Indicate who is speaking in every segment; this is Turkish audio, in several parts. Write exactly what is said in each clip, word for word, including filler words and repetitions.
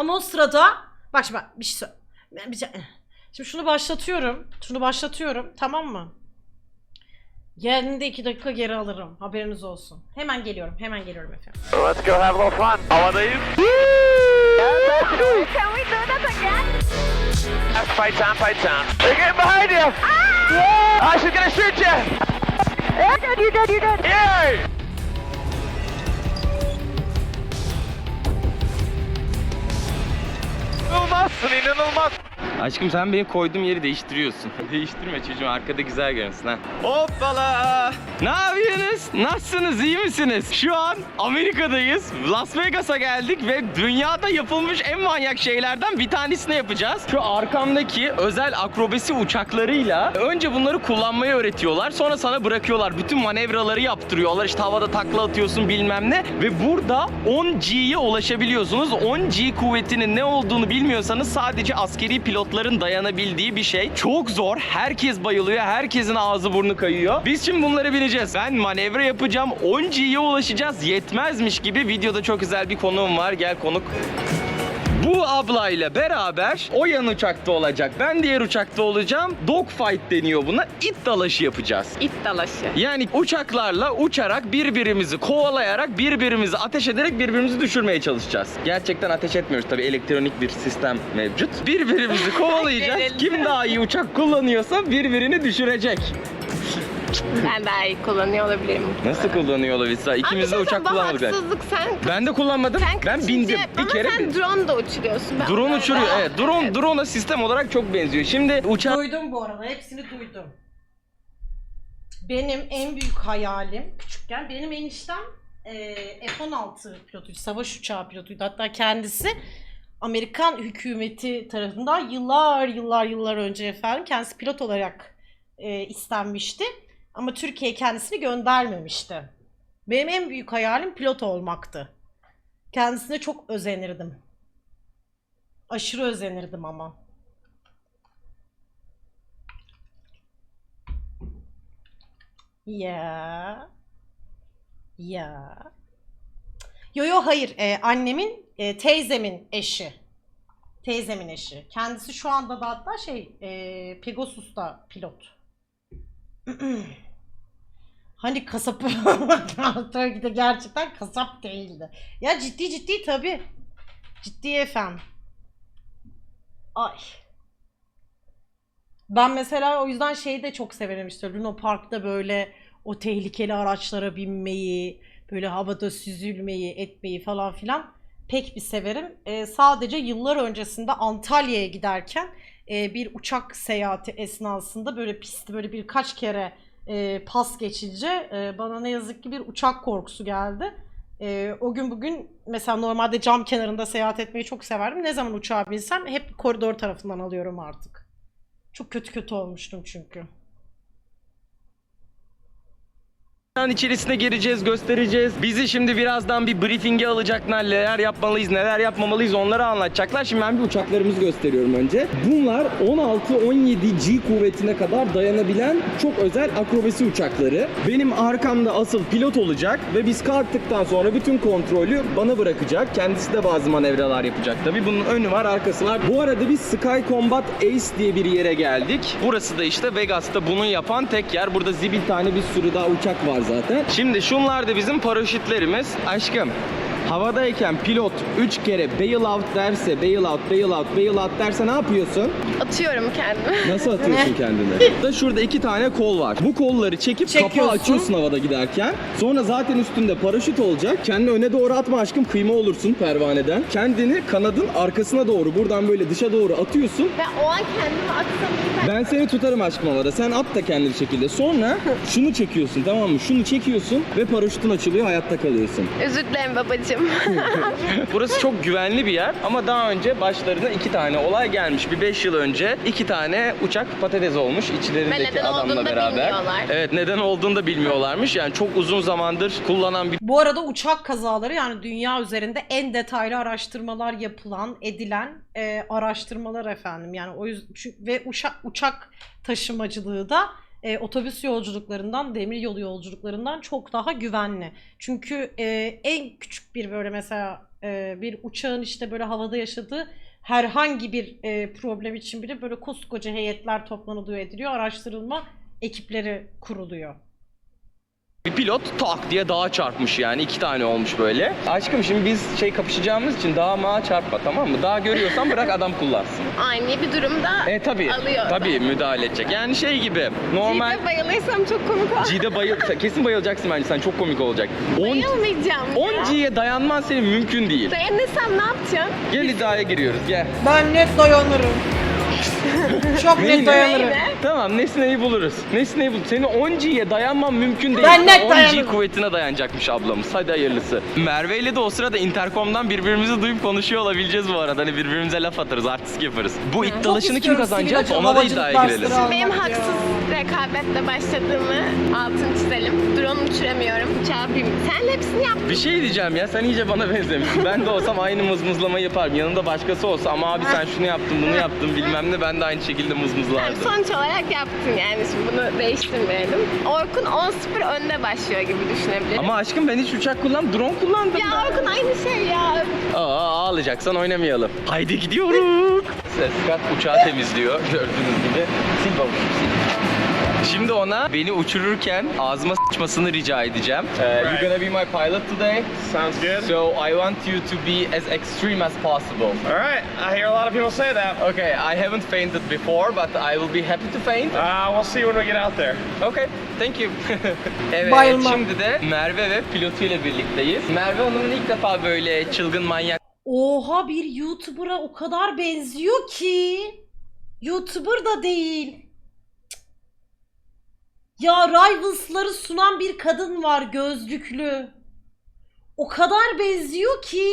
Speaker 1: Ama o sırada bak şimdi bak, bir şey söyle. Bir şey, şimdi şunu başlatıyorum. Şunu başlatıyorum. Tamam mı? Geldiğinde iki dakika geri alırım. Haberiniz olsun. Hemen geliyorum. Hemen geliyorum efendim.
Speaker 2: Let's go have a little fun. Havadayız.
Speaker 3: Can we do that again?
Speaker 2: That's fight time, fight time. They're getting behind you. Ah! Oh, she's gonna shoot you.
Speaker 3: You're good, you're good, you're good.
Speaker 2: Yay! İnanılmazsın, inanılmaz.
Speaker 4: Aşkım sen benim koyduğum yeri değiştiriyorsun. Değiştirme çocuğum, arkada güzel görünsün ha. Hoppala! Ne yapıyorsunuz? Nasılsınız? İyi misiniz? Şu an Amerika'dayız. Las Vegas'a geldik ve dünyada yapılmış en manyak şeylerden bir tanesini yapacağız. Şu arkamdaki özel akrobasi uçaklarıyla önce bunları kullanmayı öğretiyorlar. Sonra sana bırakıyorlar. Bütün manevraları yaptırıyorlar. İşte havada takla atıyorsun bilmem ne. Ve burada on G'ye ulaşabiliyorsunuz. on G kuvvetinin ne olduğunu bilmiyorsanız sadece askeri pilotların dayanabildiği bir şey. Çok zor. Herkes bayılıyor. Herkesin ağzı burnu kayıyor. Biz şimdi bunları bineceğiz. Ben manevra yapacağım. on G'ye ulaşacağız. Yetmezmiş gibi videoda çok güzel bir konuğum var. Gel konuk. Bu ablayla beraber o yan uçakta olacak. Ben diğer uçakta olacağım. Dogfight deniyor buna. İt dalaşı yapacağız.
Speaker 5: İt dalaşı.
Speaker 4: Yani uçaklarla uçarak birbirimizi kovalayarak birbirimizi ateş ederek birbirimizi düşürmeye çalışacağız. Gerçekten ateş etmiyoruz tabii, elektronik bir sistem mevcut. Birbirimizi kovalayacağız. Kim daha iyi uçak kullanıyorsa birbirini düşürecek.
Speaker 5: Ben daha iyi kullanıyor olabilirim.
Speaker 4: Nasıl kullanıyor olabilirsin? İkimiz de
Speaker 5: Abi,
Speaker 4: uçak
Speaker 5: bu
Speaker 4: kullanmadık.
Speaker 5: haksızlık, sen.
Speaker 4: Ben de kullanmadım.
Speaker 5: Sen
Speaker 4: Ben
Speaker 5: kaçıncı-
Speaker 4: bindim. Bir
Speaker 5: Ama
Speaker 4: kere
Speaker 5: sen
Speaker 4: bin-
Speaker 5: drone da uçuruyorsun. Ben
Speaker 4: Drone
Speaker 5: böyle-
Speaker 4: uçuruyor. Evet. Drone
Speaker 5: Evet.
Speaker 4: drone'a sistem olarak çok benziyor. Şimdi uçak
Speaker 1: Duydum bu arada. Hepsini duydum. Benim en büyük hayalim küçükken, benim eniştem e, F on altı pilotuydu. Savaş uçağı pilotuydu. Hatta kendisi Amerikan hükümeti tarafından yıllar yıllar yıllar önce efendim kendisi pilot olarak e, istenmişti. Ama Türkiye kendisini göndermemişti. Benim en büyük hayalim pilot olmaktı. Kendisine çok özenirdim. Aşırı özenirdim ama. Ya. Ya. Yo yo hayır. Ee, annemin, e, teyzemin eşi. Teyzemin eşi. Kendisi şu anda da hatta şey, e, Pegasus'ta pilot. Hani kasap tabii ki de gerçekten kasap değildi. Ya ciddi ciddi tabii. Ciddi efendim. Ay. Ben mesela o yüzden şeyi de çok severim, işte Luna Park'ta böyle o tehlikeli araçlara binmeyi, böyle havada süzülmeyi, etmeyi falan filan pek bir severim. Ee, sadece yıllar öncesinde Antalya'ya giderken e, bir uçak seyahati esnasında böyle pisti böyle birkaç kere e, pas geçince e, bana ne yazık ki bir uçak korkusu geldi. E, o gün bugün mesela normalde cam kenarında seyahat etmeyi çok severdim. Ne zaman uçağa binsem hep koridor tarafından alıyorum artık. Çok kötü kötü olmuştum çünkü.
Speaker 4: içerisine gireceğiz, göstereceğiz. Bizi şimdi birazdan bir briefing'e alacaklar. Neler yapmalıyız, neler yapmamalıyız onları anlatacaklar. Şimdi ben bir uçaklarımızı gösteriyorum önce. Bunlar on altı on yedi G kuvvetine kadar dayanabilen çok özel akrobasi uçakları. Benim arkamda asıl pilot olacak ve biz kalktıktan sonra bütün kontrolü bana bırakacak. Kendisi de bazı manevralar yapacak tabii. Bunun önü var, arkası var. Bu arada biz Sky Combat Ace diye bir yere geldik. Burası da işte Vegas'ta bunu yapan tek yer. Burada zibil tane bir sürü daha uçak var zaten. Şimdi şunlar da bizim paraşütlerimiz. Aşkım, havadayken pilot üç kere bail out derse, bail out, bail out, bail out derse ne yapıyorsun?
Speaker 5: Atıyorum kendimi.
Speaker 4: Nasıl atıyorsun kendini? Da şurada iki tane kol var. Bu kolları çekip kapağı
Speaker 1: Çekiyorsun.
Speaker 4: açıyorsun havada giderken. Sonra zaten üstünde paraşüt olacak. Kendini öne doğru atma aşkım, kıyma olursun pervaneden. Kendini kanadın arkasına doğru, buradan böyle dışa doğru atıyorsun.
Speaker 5: Ben o an kendimi atsam iyi.
Speaker 4: Ben seni tutarım aşkım havada. Sen at da kendi bir şekilde. Sonra şunu çekiyorsun, tamam mı? Şunu çekiyorsun ve paraşütün açılıyor, hayatta kalıyorsun.
Speaker 5: Özür dilerim babacığım.
Speaker 4: Burası çok güvenli bir yer ama daha önce başlarına iki tane olay gelmiş. Bir beş yıl önce iki tane uçak patates olmuş
Speaker 5: Ve
Speaker 4: içlerindeki
Speaker 5: neden
Speaker 4: adamla
Speaker 5: olduğunu da
Speaker 4: beraber.
Speaker 5: bilmiyorlar.
Speaker 4: Evet, neden olduğunu da bilmiyorlarmış. Yani çok uzun zamandır kullanan bir
Speaker 1: Bu arada uçak kazaları, yani dünya üzerinde en detaylı araştırmalar yapılan, edilen e, araştırmalar efendim. Yani o yüzden ve uçak uçak taşımacılığı da e, otobüs yolculuklarından, demiryolu yolculuklarından çok daha güvenli. Çünkü e, en küçük bir böyle mesela e, bir uçağın işte böyle havada yaşadığı herhangi bir e, problem için bile böyle koskoca heyetler toplanılıyor, ediliyor, araştırılma ekipleri kuruluyor.
Speaker 4: Bir pilot tak diye dağa çarpmış yani. iki tane olmuş böyle. Aşkım şimdi biz şey kapışacağımız için dağa mağa çarpma, tamam mı? Dağ görüyorsan bırak adam kullansın.
Speaker 5: Ani bir durumda
Speaker 4: E tabii.
Speaker 5: alıyor.
Speaker 4: Tabii müdahale edecek. Yani şey gibi. Normal.
Speaker 5: Cide bayılırsam çok komik olur.
Speaker 4: G'de bayıl... Kesin bayılacaksın bence, sen çok komik olacak.
Speaker 5: Bayılmayacağım ya.
Speaker 4: on G'ye dayanman senin mümkün değil.
Speaker 5: Dayanırsam ne yapacaksın?
Speaker 4: Gel iddiaya giriyoruz gel.
Speaker 1: Ben net dayanırım. Çok
Speaker 4: Neyine?
Speaker 1: net dayanırım.
Speaker 5: Neyine?
Speaker 4: Tamam Nesne'yi buluruz. Nesne'yi bul. Senin on G'ye dayanman mümkün değil.
Speaker 1: Ben net
Speaker 4: on G
Speaker 1: dayanırım.
Speaker 4: kuvvetine dayanacakmış ablamız. Hadi hayırlısı. Merve ile de o sırada interkomdan birbirimizi duyup konuşuyor olabileceğiz bu arada. Hani birbirimize laf atarız, artistik yaparız. Bu it dalaşını kim
Speaker 1: istiyorum
Speaker 4: kazanacak?
Speaker 1: sivil
Speaker 4: Ona da
Speaker 1: havacılık
Speaker 4: iddiaya
Speaker 1: dersleri
Speaker 4: girelim.
Speaker 1: almak
Speaker 5: Benim
Speaker 1: ya.
Speaker 5: haksız rekabetle başladığımı altını çizelim. Drone uçuramıyorum. Uçağı bin. Sen hepsini yaptın.
Speaker 4: Bir şey diyeceğim ya, sen iyice bana benzemişsin. Ben de olsam aynı mızmızlamayı yaparım. Yanında başkası olsa ama abi sen şunu yaptın, bunu yaptın bilmem ne, ben de aynı şekilde
Speaker 5: Yani
Speaker 4: mızmızlardım.
Speaker 5: sonuç olarak yaptın yani, şimdi bunu değiştirmeyelim. Orkun on sıfır önde başlıyor gibi düşünebiliriz.
Speaker 4: Ama aşkım ben hiç uçak kullan, drone kullandım.
Speaker 5: Ya Orkun aynı şey ya.
Speaker 4: Aa, ağlayacaksan oynamayalım. Haydi gidiyoruz. Scott uçağı temizliyor gördüğünüz gibi. Sil babuş, sil. Şimdi ona beni uçururken ağzıma sıçmasını rica edeceğim. Uh, you're gonna be my pilot today.
Speaker 2: Sounds good.
Speaker 4: So I want you to be as extreme as possible.
Speaker 2: All right, I hear a lot of people say that.
Speaker 4: Okay, I haven't fainted before, but I will be happy to faint.
Speaker 2: Uh, we'll see when we get out there.
Speaker 4: Okay, thank you. Evet,
Speaker 1: Bayılmam.
Speaker 4: şimdi de Merve ve pilotuyla birlikteyiz. Merve Hanım'ın ilk defa böyle çılgın manyak
Speaker 1: Oha, bir YouTuber'a o kadar benziyor ki. YouTuber da değil. Ya Rivals'ları sunan bir kadın var, gözlüklü. O kadar benziyor ki.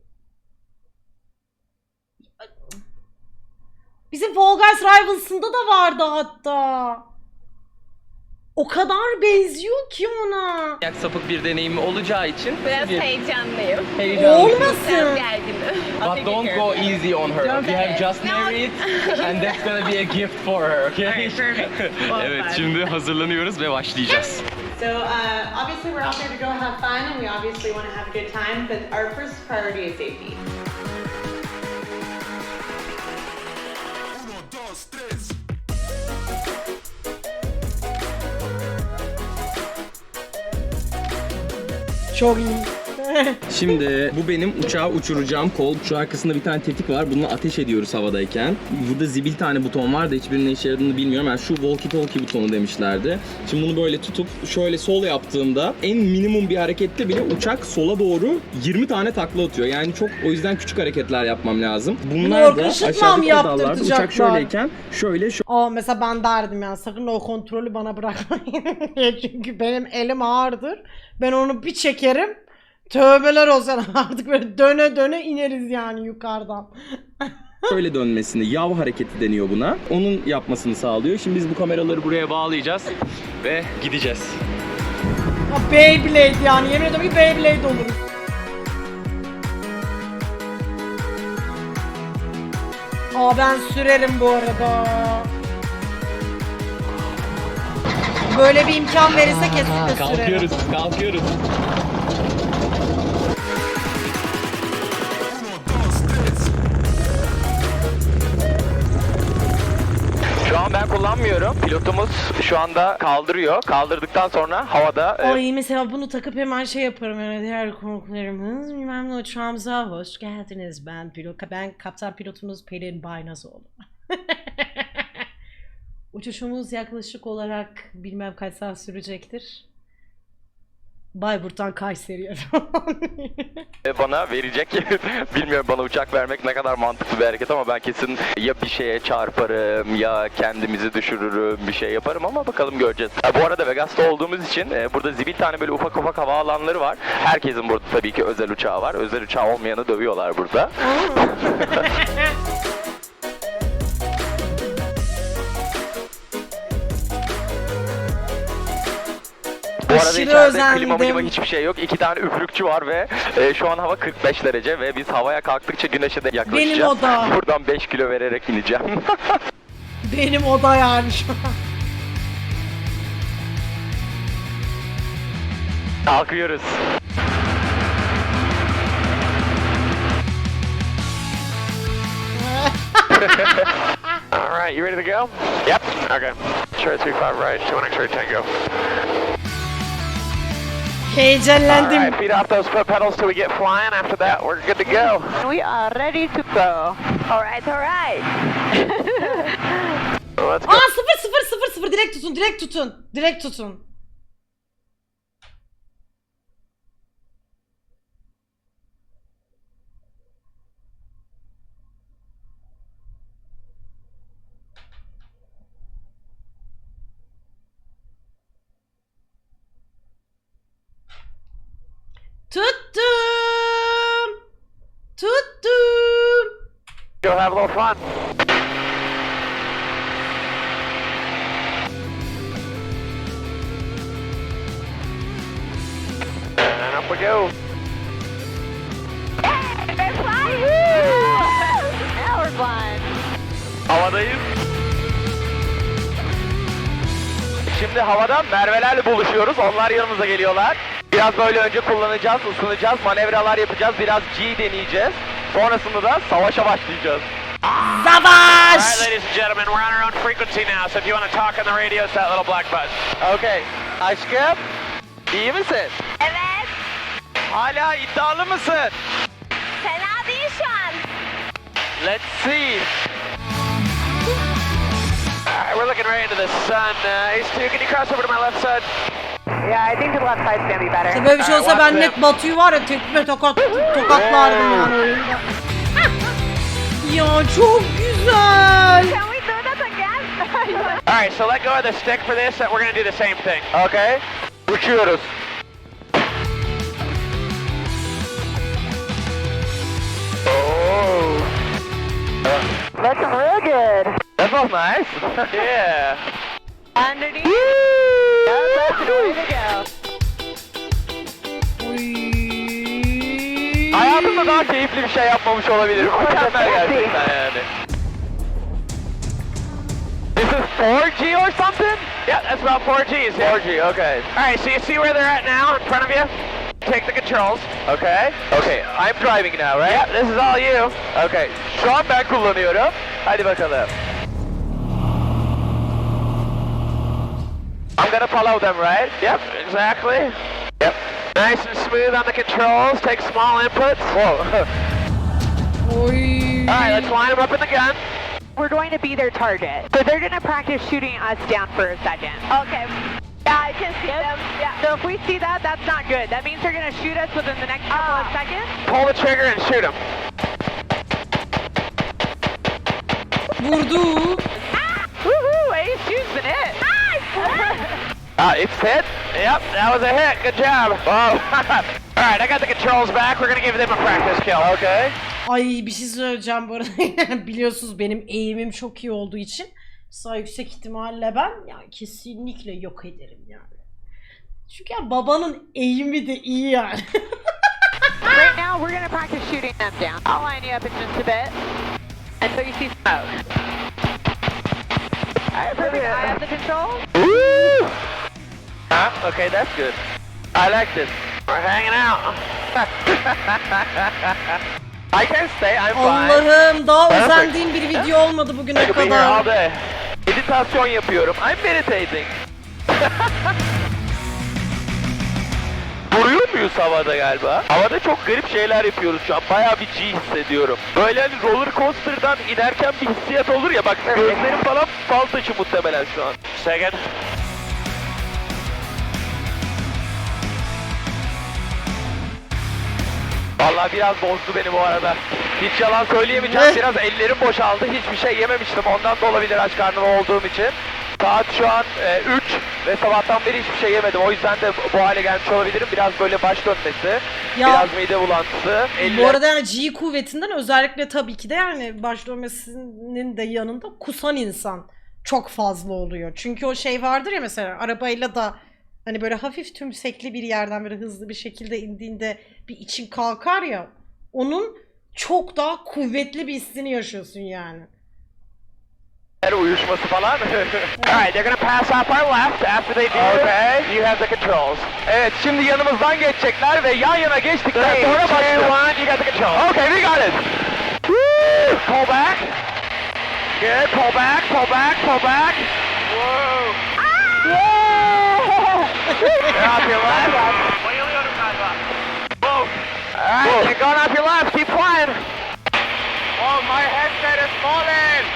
Speaker 1: Bizim Fall Guys Rivals'ında da vardı hatta. O kadar benziyor ki ona.
Speaker 4: sapık bir deneyimi olacağı için
Speaker 5: Biraz
Speaker 4: bir
Speaker 5: heyecanlıyım.
Speaker 4: heyecanlı.
Speaker 5: Biraz
Speaker 1: Olmasın.
Speaker 5: gerginim.
Speaker 4: But don't go easy on her. We have just
Speaker 5: No.
Speaker 4: married and that's gonna be a gift for her, okay? Evet, şimdi hazırlanıyoruz ve başlayacağız.
Speaker 6: So uh, obviously we're out there to go have fun and we obviously want to have a good time, but our first priority is safety.
Speaker 1: Çok iyi.
Speaker 4: Şimdi bu benim uçağı uçuracağım kol. Şu arkasında bir tane tetik var. Bunu ateş ediyoruz havadayken. Burada zibil tane buton var da hiçbirinin ne işe yaradığını bilmiyorum. Yani şu walkie talkie butonu demişlerdi. Şimdi bunu böyle tutup şöyle sol yaptığımda en minimum bir harekette bile uçak sola doğru yirmi tane takla atıyor. Yani çok, o yüzden küçük hareketler yapmam lazım. Bunlar da
Speaker 1: Orkun Işıtma mı
Speaker 4: aşağıdaki pedallarda
Speaker 1: yaptırtacaklar?
Speaker 4: uçak şöyleyken şöyle şu
Speaker 1: Aa, mesela ben derdim ya, sakın o kontrolü bana bırakmayın diye, çünkü benim elim ağırdır. Ben onu bir çekerim. Tövbeler olsun, artık böyle döne döne ineriz yani yukarıdan.
Speaker 4: şöyle dönmesini, yav hareketi deniyor buna. Onun yapmasını sağlıyor. Şimdi biz bu kameraları buraya bağlayacağız ve gideceğiz.
Speaker 1: Ha, Beyblade yani, yemin ediyorum ki Beyblade oluruz. Aa, ben sürerim bu arada. Böyle bir imkan verirse kesinlikle sürerim.
Speaker 4: Kalkıyoruz, kalkıyoruz.
Speaker 2: Şu an ben kullanmıyorum. Pilotumuz şu anda kaldırıyor. Kaldırdıktan sonra havada e,
Speaker 1: Ay, mesela bunu takıp hemen şey yaparım, yani diğer konuklarımız bilmem ne, uçağımıza hoş geldiniz, ben pilot, ben kaptan pilotunuz Pelin Baynazoğlu. Uçuşumuz yaklaşık olarak bilmem kaç saat sürecektir. Bayburt'tan Kayseri'ye falan.
Speaker 2: bana verecek. Bilmiyorum, bana uçak vermek ne kadar mantıklı bir hareket ama ben kesin ya bir şeye çarparım ya kendimizi düşürürüm, bir şey yaparım ama bakalım, göreceğiz. Ha, bu arada Vegas'ta olduğumuz için e, burada zibil tane böyle ufak ufak havaalanları var. Herkesin burada tabii ki özel uçağı var. Özel uçağı olmayanı dövüyorlar burada. Bu arada
Speaker 1: Aşırı
Speaker 2: içeride
Speaker 1: özendim.
Speaker 2: klima milima hiçbir şey yok. İki tane üflükçü var ve e, şu an hava kırk beş derece ve biz havaya kalktıkça güneşe de yaklaşacağız.
Speaker 1: Benim oda.
Speaker 2: Buradan beş kilo vererek ineceğim.
Speaker 1: Benim oda yani şu an.
Speaker 2: Kalkıyoruz. All right, you ready to go? Yep. Okay. Sure, three five right, two one X-ray tango.
Speaker 1: Heyecanlandım.
Speaker 2: All right, feet off those foot pedals till we get flying. After that, we're good to go.
Speaker 3: We are ready to go. Alright, alright.
Speaker 2: Let's go.
Speaker 1: Aa sıfır sıfır sıfır sıfır direkt tutun direkt tutun. Direkt tutun. Tuttum. Tuttum.
Speaker 2: Go have a little fun. And up we go.
Speaker 3: We're flying! Now we're flying.
Speaker 2: Havadayız. Şimdi havadan Merve'lerle buluşuyoruz. Onlar yanımıza geliyorlar. Biraz böyle önce kullanacağız, ısınacağız, manevralar yapacağız, biraz G deneyeceğiz. Sonrasında da savaşa başlayacağız.
Speaker 1: Savaş!
Speaker 2: Alright, ladies and gentlemen, we're on our own frequency now, so if you want to talk on the radio, it's that little black button. Okay. Aşkım, iyi misin?
Speaker 3: Evet.
Speaker 2: Hala iddialı mısın?
Speaker 3: Fena değil şu an.
Speaker 2: Let's see. Alright, we're looking right into the sun. Uh, Ace two, can you cross over to my left side?
Speaker 6: Yeah, I think the left side's gonna be better.
Speaker 1: İşte böyle bir şey olsa
Speaker 2: Alright,
Speaker 1: ben
Speaker 2: watch
Speaker 1: net
Speaker 2: them.
Speaker 1: Batu'yu var ya tekme tokat tokatlardım yani oyunda. Ya çok güzel.
Speaker 3: Can we do that again?
Speaker 2: Alright, so let go of the stick for this, and we're gonna do the same thing. Okay. Uçuyoruz. Oh.
Speaker 3: Looking real good.
Speaker 2: That felt nice. Yeah.
Speaker 3: Underneath. That's the way to go.
Speaker 2: Hayatımda daha keyifli bir şey yapmamış olabilirim. Mükemmel gerçekten yani. This is four G or something? Yeah, that's about four G's. Yeah. four G, okay. Alright, so you see where they're at now in front of you? Take the controls. Okay. Okay, I'm driving now, right? Yeah, this is all you. Okay, şu an ben kullanıyorum. Hadi bakalım. I'm gonna follow them, right? Yep, exactly. Yep. Nice and smooth on the controls. Take small inputs. Whoa.
Speaker 1: Oy.
Speaker 2: Alright, let's line them up in the gun.
Speaker 6: We're going to be their target. So they're gonna practice shooting us down for a second.
Speaker 3: Okay. Yeah, I can see them. Yeah.
Speaker 6: So if we see that, that's not good. That means they're gonna shoot us within the next couple of
Speaker 3: Ah.
Speaker 6: seconds.
Speaker 2: Pull the trigger and shoot them.
Speaker 1: Vurdu.
Speaker 6: Woohoo! Ace two's been hit.
Speaker 2: Uh, it's hit. Yep, that was a hit. Good job. Whoa. Alright, I got the controls back. We're gonna give them a practice kill. Okay.
Speaker 1: Ay bir şey söyleyeceğim bu arada. Biliyorsunuz benim eğimim çok iyi olduğu için sağ yüksek ihtimalle ben yani kesinlikle yok ederim yani. Çünkü ya babanın eğimi de iyi yani.
Speaker 6: Right now, we're gonna practice shooting them down. I'll line you up in just a bit until you see smoke. Alright, perfect. I have the controls.
Speaker 2: Woo! Huh? Okay, that's good. I like this. We're hanging out. I can stay, I'm fine.
Speaker 1: Allah'ım daha
Speaker 2: Perfect.
Speaker 1: özendiğim bir video olmadı bugüne
Speaker 2: I could be here all
Speaker 1: kadar.
Speaker 2: day. Meditasyon yapıyorum. I'm meditating. Vuruyor muyuz havada galiba? Havada çok garip şeyler yapıyoruz şu an. Bayağı bir G hissediyorum. Böyle hani roller coaster'dan inerken bir hissiyat olur ya. Bak gözlerim falan fal taşı muhtemelen şu an. Second. Vallahi biraz bozdu beni bu arada. Hiç yalan söyleyemeyeceğim.
Speaker 1: Ne?
Speaker 2: Biraz ellerim boşaldı. Hiçbir şey yememiştim. Ondan da olabilir aç karnım olduğum için. Saat şu an üç ve sabahtan beri hiçbir şey yemedim. O yüzden de bu hale gelmiş olabilirim. Biraz böyle baş dönmesi,
Speaker 1: Ya-
Speaker 2: biraz mide bulantısı.
Speaker 1: Bu
Speaker 2: Elle...
Speaker 1: arada yani G kuvvetinden özellikle tabii ki de yani baş dönmesinin de yanında kusan insan çok fazla oluyor. Çünkü o şey vardır ya mesela arabayla da hani böyle hafif tümsekli bir yerden böyle hızlı bir şekilde indiğinde bir için kalkar ya, onun çok daha kuvvetli bir hissini yaşıyorsun yani.
Speaker 2: Uyuşması falan. Alright, they're gonna pass off our left after they do. Okay. You have the controls. Evet, şimdi yanımızdan geçecekler ve yan yana geçtikten sonra başlıyor. One, you got the controls. Okay, we got it. Woo! Pull back. Good, pull back, pull back, pull back. Whoa. Whoa! You're off your left.
Speaker 3: Bayılıyorum galiba.
Speaker 2: Whoa. Alright, you're going off your left, keep flying. Oh, my headset is falling.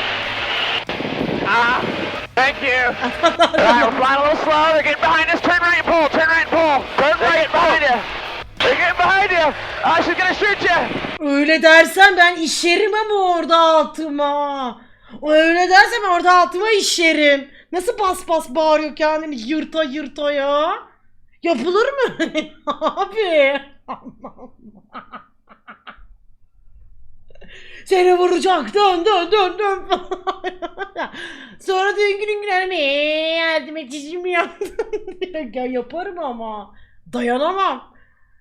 Speaker 2: Ah, thank you. Alright, we're flying a little slow. They're getting behind us. Turn right and pull. Turn right and pull. Turn right behind you. They're getting behind you. Ah, she's gonna shoot you.
Speaker 1: Öyle dersen ben işerim ama orada altıma. Öyle dersen ben orada altıma işerim. Nasıl bas bas bağırıyor kendini yırta yırta ya. Yapılır mı? Abi. Seni vuracak. Dön dön dön dön. Sonra da gün gün gün yardım edeceğim yaptım. Ya yaparım ama. Dayanamam.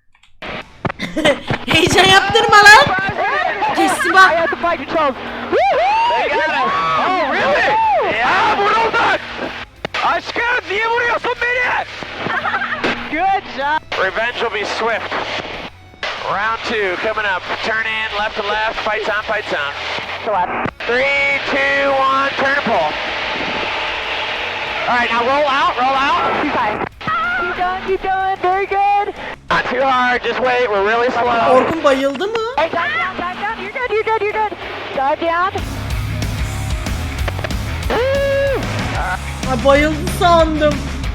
Speaker 1: Heyecan yaptırma lan. Kesin bak.
Speaker 2: They got us. Oh, really? Ah, vurulduk. Aşkım, niye vuruyorsun beni? Good job. Revenge will be swift. Round two coming up. Turn in, left to left. Fights on, fights on. Three, two, one. Turn and pull. All right, now roll out, roll out.
Speaker 3: You done, you done, very good.
Speaker 2: Not too hard. Just wait. We're really slow.
Speaker 1: Orkun bayıldı mı?
Speaker 3: Hey, dive down, dive down. You're good, you're good, you're good. Dive down.
Speaker 1: Ay bayıldı sandım.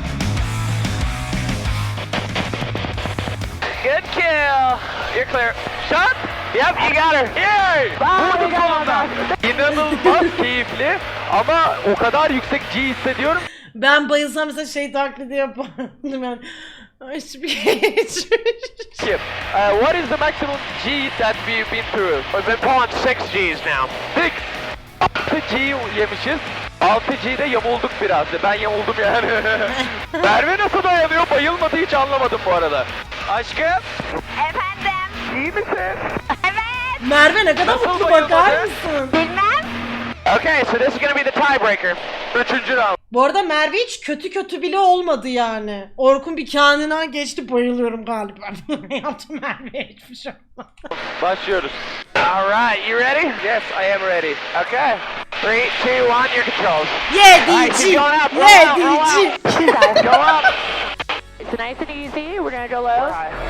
Speaker 2: Good kill. You're clear. Shot. Yep, you got her. Yay! Vurdum sonunda. İnanılmaz keyifli ama o kadar yüksek G hissediyorum.
Speaker 1: Ben bayılsam mesela şey taklidi yapardım yani. Hiçbir geçmiş.
Speaker 2: Skip. Uh, what is the maximum G that we've been through? We've been pulling six G's now. Six. altı G yemişiz. altı G'de yamulduk biraz. Ben yamuldum yani. Merve nasıl dayanıyor? Bayılmadı, hiç anlamadım bu arada. Aşkım.
Speaker 3: Efendim.
Speaker 2: İyi misin?
Speaker 3: Evet.
Speaker 1: Merve ne kadar
Speaker 2: Nasıl
Speaker 1: mutlu
Speaker 2: bayılmadı?
Speaker 1: bakar mısın?
Speaker 3: Bilmem.
Speaker 2: Okay, so this is gonna be the tiebreaker. Üçüncü round.
Speaker 1: Bu arada Merve hiç kötü kötü bile olmadı yani. Orkun bir kendinden geçti, bayılıyorum galiba. Yaptım Merve'ye hiçbir şey olmadı.
Speaker 2: Başlıyoruz. Alright, you ready? Yes, I am ready. Okay. Three, two, one, your controls. Alright, keep
Speaker 1: Yedici!
Speaker 2: going up, roll out, roll out.
Speaker 1: Yedici!
Speaker 2: Go up.
Speaker 3: It's nice and easy. We're gonna go low.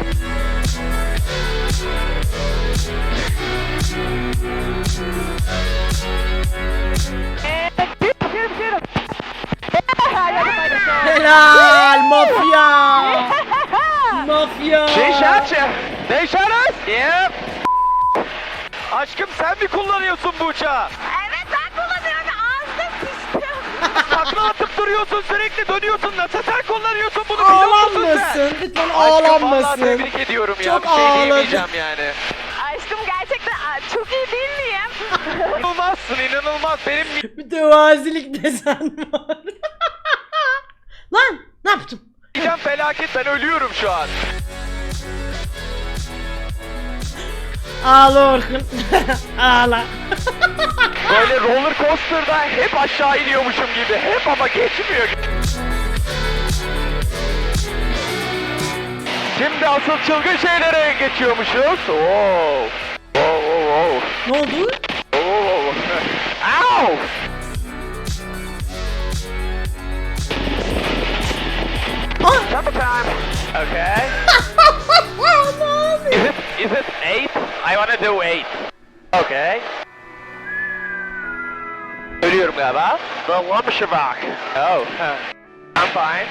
Speaker 1: Helal mafya! Mafya!
Speaker 2: They shot you. They shot us. Yep. Aşkım sen mi kullanıyorsun bu uçağı?
Speaker 3: Evet, ben kullanıyorum. Ağzım sıçtım.
Speaker 2: Takla atıp duruyorsun, sürekli dönüyorsun. Nasıl sen kullanıyorsun bunu, biliyor musun sen?
Speaker 1: Ağlanmasın, lütfen
Speaker 2: Aşkım vallahi
Speaker 1: ağlanmasın.
Speaker 2: tebrik ediyorum ya.
Speaker 1: Çok
Speaker 2: Bir şey
Speaker 1: ağladım.
Speaker 2: diyemeyeceğim yani.
Speaker 3: Aşkım gerçekten aa, çok iyi değil miyim?
Speaker 2: İnanılmazsın, inanılmaz. Benim
Speaker 1: Mütevazilik desen var. Lan ne yaptım?
Speaker 2: midem felaket, ben ölüyorum şu an.
Speaker 1: Ağla Orkun. Ağla.
Speaker 2: Böyle roller coaster'da hep aşağı iniyormuşum gibi. Hep ama geçmiyor. Şimdi asıl çılgın şeylere geçiyormuşuz. Oo. Oo, oo, oo.
Speaker 1: Ne oldu?
Speaker 2: Oo. Ow!
Speaker 1: Ah!
Speaker 2: Double time. Okay. Is it is it eight? I wanna do eight. Okay. Ölüyorum galiba. The Lumshavak. Oh. huh. I'm fine.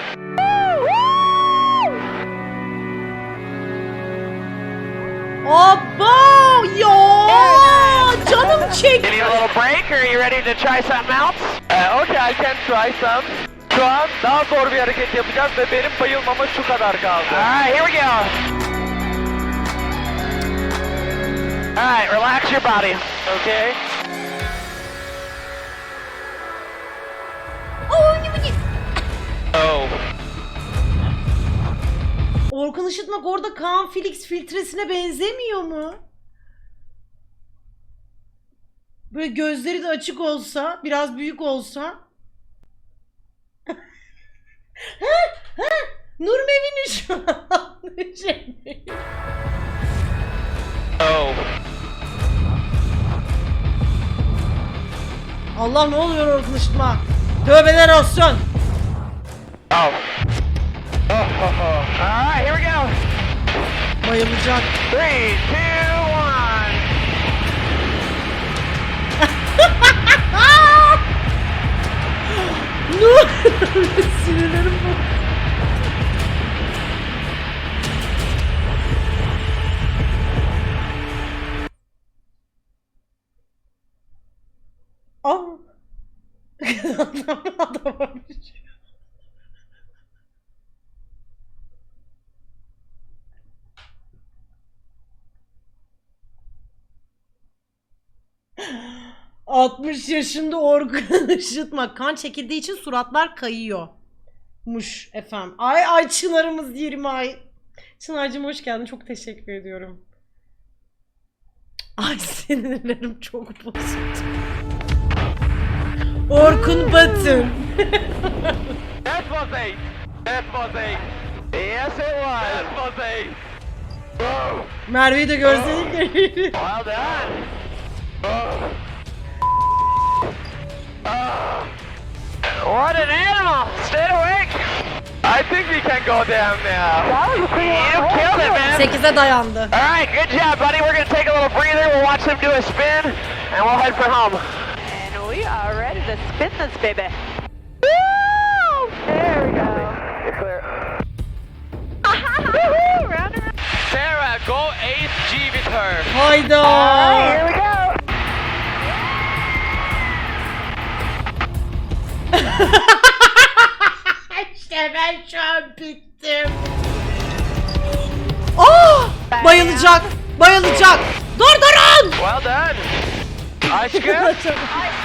Speaker 1: Abo ya! Canım çekti.
Speaker 2: Need a little break or are you ready to try something else? Uh, okay, I can try some. Şu an daha zor bir hareket yapacağız ve benim bayılmama şu kadar kaldı. Alright, here we go. Alright, relax your body. Okay. Oh.
Speaker 1: Orkun Işıtmak orada Kaan Felix filtresine benzemiyor mu? Böyle gözleri de açık olsa, biraz büyük olsa. Ha, ha, Nur Mevin'i şu an. Şey.
Speaker 2: Oh.
Speaker 1: Allah ne oluyor Orkun Işıtma? Tövbeler olsun.
Speaker 2: Oh. Oh, oh, oh. All right, here we go.
Speaker 1: Bayılacak.
Speaker 2: Three, two, one.
Speaker 1: Nur. Sinirlerim bu. Aa. Adam adama bir şey. altmış yaşında Orkun Işıtma. Kan çekildiği için suratlar kayıyor. Muş efendim. Ay ay Çınar'ımız yirmi ay. Çınar'cığım hoş geldin. Çok teşekkür ediyorum. Ay sinirlerim çok bozuldu. Orkun Batın.
Speaker 2: That was eight. That was eight. Yes, it was. That was eight. Oh.
Speaker 1: Merve'yi de görseydik.
Speaker 2: Well done. Oh. Oh. What an animal! Stay awake! I think we can go down now. You killed it, man!
Speaker 1: sekize dayandı.
Speaker 2: Alright, good job, buddy. We're gonna take a little breather, we'll watch them do a spin, and we'll head for home.
Speaker 3: And we are ready to spin this baby. Woo! There we go.
Speaker 2: You're clear.
Speaker 3: Woohoo! Round and round.
Speaker 4: Sarah, go eighth G with her.
Speaker 1: Hayda.
Speaker 3: Alright, here we go.
Speaker 1: İşte ben şu an bittim. Oh! Bayılacak. Bayılacak. Dur durun.
Speaker 2: Well done. Aşkım.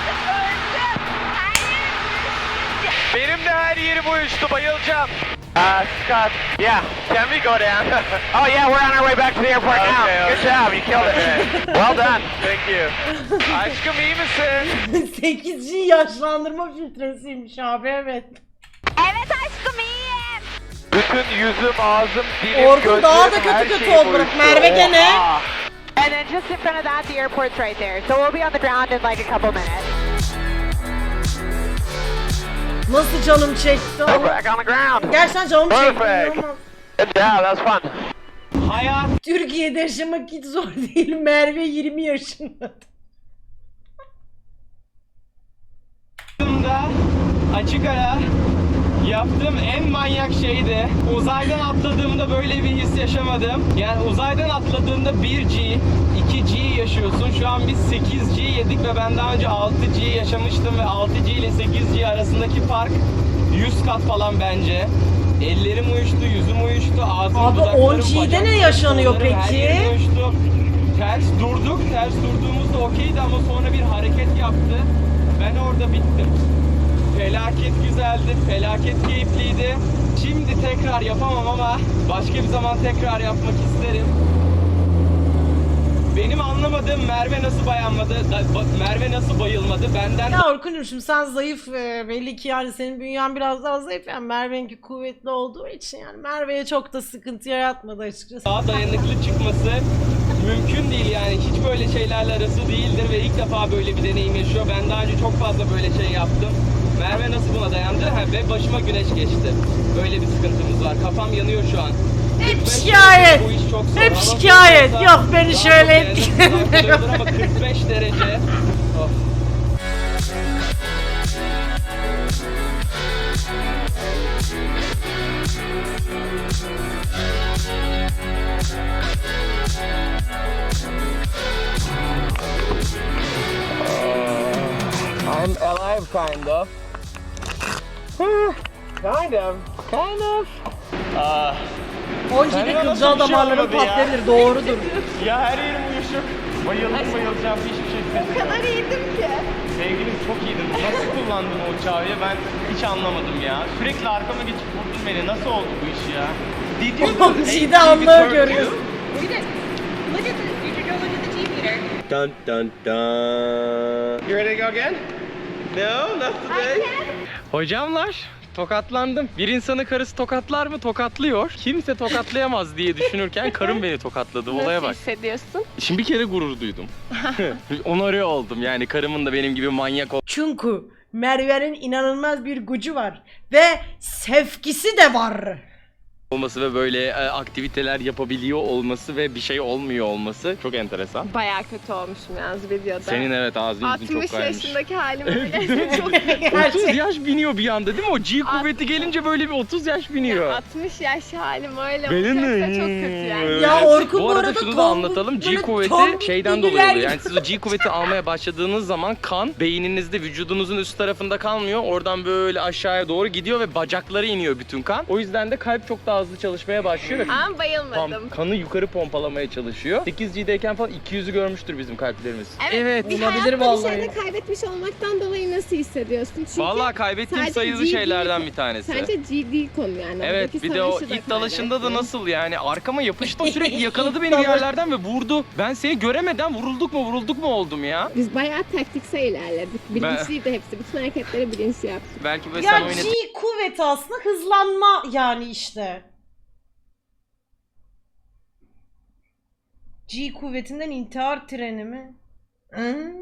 Speaker 2: Benim de her yerim uyuştu, bayılacağım. Uh, Scott, yeah, can we go down? Oh yeah, we're on our way back to the airport okay, now. Okay. Good job, you killed it. Well done. Thank you. Aşkım iyi misin?
Speaker 1: sekiz G yaşlandırma filtresiymiş abi, evet.
Speaker 3: Evet aşkım iyiyim.
Speaker 2: Bütün yüzüm, ağzım, dilim,
Speaker 1: Orkun
Speaker 2: gözlerim,
Speaker 1: daha da
Speaker 2: her
Speaker 1: kötü kötü
Speaker 2: şeyim
Speaker 1: oldu bak.
Speaker 2: uyuştu.
Speaker 1: Merve gene.
Speaker 2: Oha.
Speaker 3: And then just in front of that, the airport's right there. So we'll be on the ground in like a couple minutes.
Speaker 1: Nasıl canım çekti?
Speaker 2: We're back on the ground.
Speaker 1: Gerçekten canım çekti.
Speaker 2: Perfect.
Speaker 1: İnanılmaz.
Speaker 2: Good job, that was fun.
Speaker 4: Hayat
Speaker 1: Türkiye'de yaşamak hiç zor değil. Merve yirmi yaşında.
Speaker 4: Hayatımda açık ara yaptığım en manyak şeydi. Uzaydan atladığımda böyle bir his yaşamadım. Yani uzaydan atladığında bir G, iki G yaşıyorsun. Şu an biz sekiz G yedik ve ben daha önce altı G yaşamıştım ve altı G ile sekiz G arasındaki fark yüz kat falan bence. Ellerim uyuştu, yüzüm uyuştu, ağzım,
Speaker 1: Abi
Speaker 4: dudaklarım,
Speaker 1: on G'de
Speaker 4: bacaklarım,
Speaker 1: ne yaşanıyor
Speaker 4: kollarım, her
Speaker 1: peki?
Speaker 4: yerim uyuştu. Ters durduk, ters durduğumuzda okeydi ama sonra bir hareket yaptı. Ben orada bittim. Felaket güzeldi, felaket keyifliydi. Şimdi tekrar yapamam ama başka bir zaman tekrar yapmak isterim. Benim anlamadığım Merve nasıl bayanmadı, Merve nasıl bayılmadı benden.
Speaker 1: Ya Orkun'cum şimdi sen zayıf e, belli ki yani senin bünyen biraz daha zayıf yani Merve'ninki kuvvetli olduğu için yani Merve'ye çok da sıkıntı yaratmadı açıkçası.
Speaker 4: Daha dayanıklı çıkması mümkün değil yani hiç böyle şeylerle arası değildir ve ilk defa böyle bir deneyim yaşıyor. Ben daha önce çok fazla böyle şey yaptım. Merve nasıl buna dayandı? Ha, ve başıma güneş geçti. Böyle bir sıkıntımız var. Kafam yanıyor şu an.
Speaker 1: Hep şikayet.
Speaker 4: Bu iş çok zor.
Speaker 1: Hep
Speaker 4: Hava
Speaker 1: şikayet.
Speaker 4: soğuksa
Speaker 1: Yok beni
Speaker 4: daha
Speaker 1: şöyle
Speaker 4: çok
Speaker 1: etkilenmiyor.
Speaker 4: dayanıklı ama kırk beş derece. Oh. I'm alive, kind of. kind of. Kind of. Aa,
Speaker 1: on G'de kılcal damarların patlayabilir. Doğrudur.
Speaker 4: ya her yerim uyuşuk. Bayıldım bayılacağım hiçbir şey hissetmedim.
Speaker 5: O kadar iyiydim ki.
Speaker 4: Sevgilim çok iyiydin. Nasıl kullandın o uçağı ya? Ben hiç anlamadım ya. Sürekli arkama geçip vurdun beni. Nasıl oldu bu iş ya? Did you
Speaker 1: on G'de anlığı görüyorsun.
Speaker 5: We did. Look at this. You should go look at the G meter.
Speaker 4: Dun dun dun. You ready to go again? No, not today. Hocamlar, tokatlandım. Bir insanı karısı tokatlar mı? Tokatlıyor. Kimse tokatlayamaz diye düşünürken karım beni tokatladı. Olaya
Speaker 5: Nasıl
Speaker 4: bak.
Speaker 5: hissediyorsun?
Speaker 4: Şimdi bir kere gurur duydum. Onarı oldum. Yani karımın da benim gibi manyak
Speaker 1: Çünkü Merve'nin inanılmaz bir gücü var ve sevgisi de var.
Speaker 4: olması ve böyle e, aktiviteler yapabiliyor olması ve bir şey olmuyor olması çok enteresan.
Speaker 5: Bayağı kötü olmuşum yalnız videoda.
Speaker 4: Senin evet ağzın yüzün çok
Speaker 5: altmış
Speaker 4: kaymış.
Speaker 5: yaşındaki halim öyle çok kötü.
Speaker 4: otuz yaş biniyor bir anda değil mi? O G kuvveti gelince böyle bir otuz yaş biniyor.
Speaker 5: altmış yaş halim öyle
Speaker 4: Benim
Speaker 5: olacaksa
Speaker 4: mi?
Speaker 5: çok kötü yani.
Speaker 1: Ya Orkun
Speaker 4: bu
Speaker 1: bu
Speaker 4: arada
Speaker 1: arada
Speaker 4: şunu da
Speaker 1: tombul-
Speaker 4: anlatalım. G
Speaker 1: böyle
Speaker 4: kuvveti
Speaker 1: tombul
Speaker 4: şeyden
Speaker 1: bilgiler
Speaker 4: dolayı oluyor.
Speaker 1: gibi.
Speaker 4: Yani siz o G kuvveti almaya başladığınız zaman kan beyninizde vücudunuzun üst tarafında kalmıyor. Oradan böyle aşağıya doğru gidiyor ve bacaklara iniyor bütün kan. O yüzden de kalp çok daha hızlı çalışmaya başlıyor ve
Speaker 5: Ama bayılmadım.
Speaker 4: tam kanı yukarı pompalamaya çalışıyor. sekiz G'deyken falan iki yüzü görmüştür bizim kalplerimiz.
Speaker 5: Evet, bir
Speaker 1: olabilir
Speaker 5: hayatta
Speaker 1: vallahi.
Speaker 5: bir şeyde kaybetmiş olmaktan dolayı nasıl hissediyorsun? Çünkü
Speaker 4: Vallahi kaybettiğim
Speaker 5: sadece
Speaker 4: sayılı
Speaker 5: G
Speaker 4: şeylerden
Speaker 5: değil,
Speaker 4: bir tanesi.
Speaker 5: Sadece G değil konu yani.
Speaker 4: Evet,
Speaker 5: Oradaki
Speaker 4: bir de o
Speaker 5: savaşı da
Speaker 4: it dalaşında da
Speaker 5: kaybettin.
Speaker 4: nasıl yani arkama yapıştı, o sürekli yakaladı beni bir yerlerden ve vurdu. Ben seni göremeden vurulduk mu vurulduk mu oldum ya.
Speaker 5: Biz bayağı taktiksel ilerledik. Bilinçliydi hepsi. Bütün hareketleri bilinçli yaptık.
Speaker 4: Belki böyle sen
Speaker 1: Ya
Speaker 4: oynadın.
Speaker 1: G kuvveti aslında hızlanma yani işte. G kuvvetinden intihar treni mi? Hı?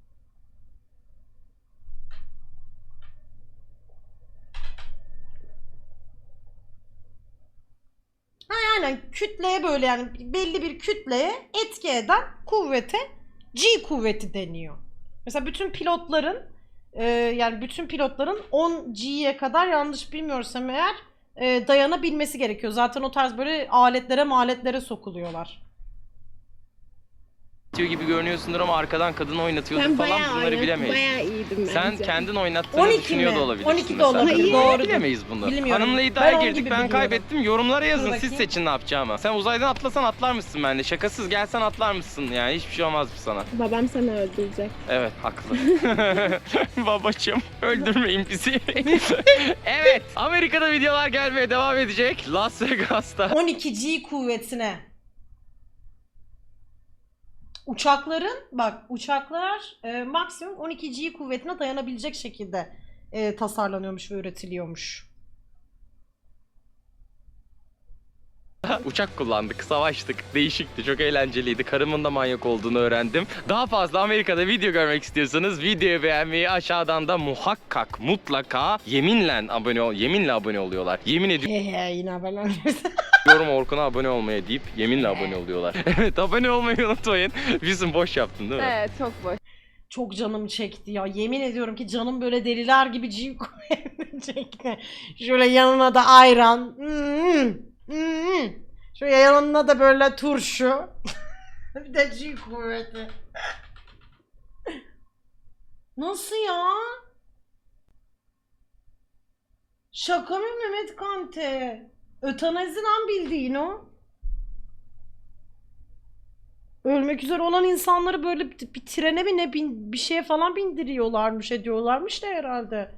Speaker 1: Ha aynen kütleye böyle yani belli bir kütleye etki eden kuvvete G kuvveti deniyor. Mesela bütün pilotların e, yani bütün pilotların on G'ye kadar yanlış bilmiyorsam eğer e, dayanabilmesi gerekiyor. Zaten o tarz böyle aletlere maletlere sokuluyorlar.
Speaker 4: gibi görünüyorsundur ama arkadan kadın oynatıyordur
Speaker 5: Ben
Speaker 4: falan
Speaker 5: bayağı
Speaker 4: bunları
Speaker 5: oynadım.
Speaker 4: bilemeyiz.
Speaker 5: Bayağı iyiydim bence.
Speaker 4: Sen kendin oynattığını
Speaker 1: on iki
Speaker 4: düşünüyor
Speaker 1: mi?
Speaker 4: da olabilirsin.
Speaker 1: on iki de
Speaker 4: mesela.
Speaker 1: olabilir.
Speaker 5: Hayır.
Speaker 1: Doğru.
Speaker 4: Bilemeyiz bunu.
Speaker 1: Bilmiyorum.
Speaker 4: Hanımla iddiaya
Speaker 1: Ben on
Speaker 4: girdik
Speaker 1: gibi
Speaker 4: ben
Speaker 1: biliyorum.
Speaker 4: kaybettim. Yorumlara yazın
Speaker 1: Dur
Speaker 4: siz
Speaker 1: bakayım.
Speaker 4: seçin ne yapacağımı. Sen uzaydan atlasan atlar mısın benimle? Şakasız gelsen atlar mısın? Yani hiçbir şey olmaz mı sana?
Speaker 5: Babam seni öldürecek.
Speaker 4: Evet haklı. Babacım öldürmeyin bizi. Evet Amerika'da videolar gelmeye devam edecek. Las Vegas'ta.
Speaker 1: on iki G kuvvetine. Uçakların bak uçaklar e, maksimum on iki G kuvvetine dayanabilecek şekilde e, tasarlanıyormuş ve üretiliyormuş.
Speaker 4: Uçak kullandık, savaştık. Değişikti, çok eğlenceliydi. Karımın da manyak olduğunu öğrendim. Daha fazla Amerika'da video görmek istiyorsanız videoyu beğenmeyi, aşağıdan da muhakkak mutlaka yeminle abone ol, yeminle abone oluyorlar. Yemin
Speaker 1: Hehe yine haberler.
Speaker 4: ediyorum Orkun'a abone olmaya deyip yeminle abone oluyorlar. Evet, abone olmayı unutmayın. Bizim boş yaptın değil mi?
Speaker 5: Evet çok boş.
Speaker 1: Çok canım çekti ya. Yemin ediyorum ki canım böyle deliler gibi G kuvvetini çekti. Şöyle yanına da ayran. Hmm, hmm. Şöyle yanına da böyle turşu. Bir de G kuvveti. Nasıl ya? Şaka mı Mehmet Kante? Ötanazi lan bildiğin o. Ölmek üzere olan insanları böyle bir, bir trene mi ne bin, bir şeye falan bindiriyorlarmış ediyorlarmış da herhalde.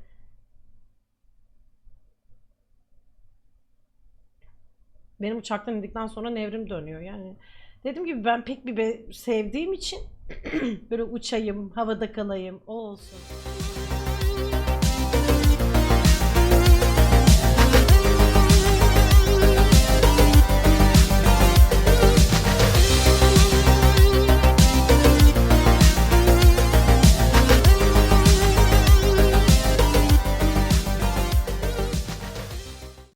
Speaker 1: Benim uçaktan indikten sonra nevrim dönüyor yani. Dediğim gibi ben pek bir be- sevdiğim için böyle uçayım, havada kalayım, o olsun.